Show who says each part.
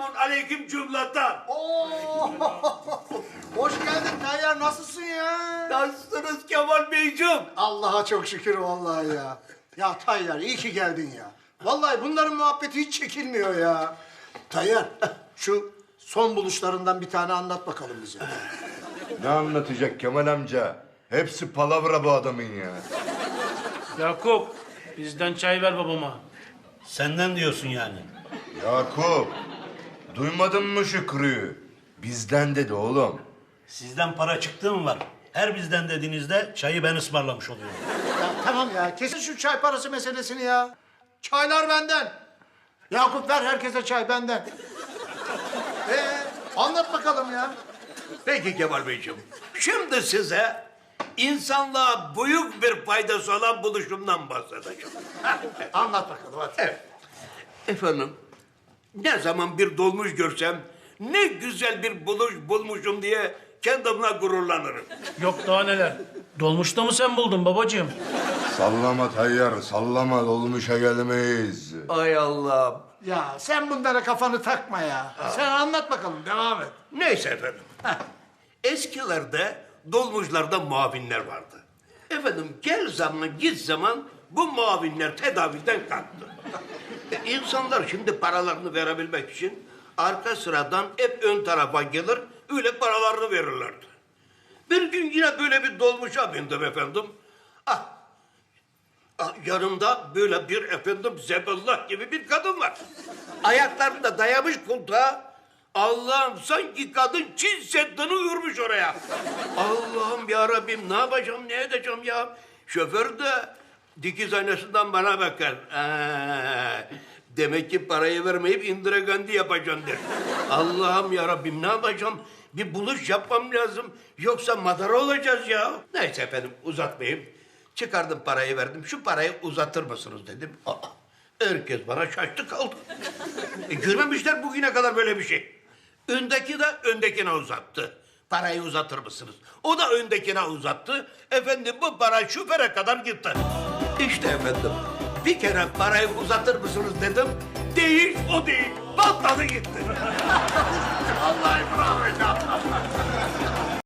Speaker 1: Selamun aleyküm cümleten.
Speaker 2: Oo! Hoş geldin Tayyar, nasılsın ya?
Speaker 1: Nasılsınız Kemal Beyciğim?
Speaker 2: Allah'a çok şükür vallahi ya. Ya Tayyar iyi ki geldin ya. Vallahi bunların muhabbeti hiç çekilmiyor ya. Tayyar şu son buluşlarından bir tane anlat bakalım bize.
Speaker 3: Ne anlatacak Kemal amca? Hepsi palavra bu adamın ya.
Speaker 4: Yakup, bizden çay ver babama.
Speaker 1: Senden diyorsun yani.
Speaker 3: Yakup, duymadın mı Şükrü'yü? Bizden dedi oğlum.
Speaker 1: Sizden para çıktığı mı var? Her bizden dediğinizde çayı ben ısmarlamış oluyorum.
Speaker 2: Ya tamam ya, kesin şu çay parası meselesini ya. Çaylar benden. Yakup ver herkese çay benden. Anlat bakalım ya.
Speaker 1: Peki Kemal Beyciğim. Şimdi size insanlığa büyük bir faydası olan buluşumdan bahsedeceğim.
Speaker 2: Anlat bakalım hadi.
Speaker 1: Evet. Efendim, ne zaman bir dolmuş görsem ne güzel bir buluş bulmuşum diye kendimle gururlanırım.
Speaker 4: Yok daha neler. Dolmuşta mı sen buldun babacığım?
Speaker 3: Sallama Tayyar, sallama, dolmuşa gelmeyiz.
Speaker 1: Ay Allah'ım.
Speaker 2: Ya sen bunlara kafanı takma ya. Sen anlat bakalım, devam et.
Speaker 1: Neyse efendim. Eskilerde dolmuşlarda muavinler vardı. Efendim gel zaman git zaman bu muavinler tedaviden kalktı. İnsanlar şimdi paralarını verebilmek için arka sıradan hep ön tarafa gelir, öyle paralarını verirlerdi. Bir gün yine böyle bir dolmuşa bindim efendim. Yanımda böyle bir efendim Zebellah gibi bir kadın var. Ayaklarını da dayamış koltuğa. Allah'ım sanki kadın Çin Seddi'ni örmüş oraya. Allah'ım ya Rabbim ne yapacağım ne edeceğim ya. Şoför de dikiz aynasından bana bakar. Demek ki parayı vermeyip indire gandhi yapacaksın der. Allah'ım ya Rabbim ne yapacağım? Bir buluş yapmam lazım. Yoksa madara olacağız ya. Neyse efendim uzatmayayım. Çıkardım parayı verdim. Şu parayı uzatır mısınız dedim. Herkes bana şaştı kaldı. Görmemişler bugüne kadar böyle bir şey. Öndeki de öndekine uzattı. Parayı uzatır mısınız? O da öndekine uzattı. Efendim bu para şoföre kadar gitti. İşte efendim bir kere parayı uzatır mısınız dedim. Değil o değil. Patladı gitti. Vallahi bravo.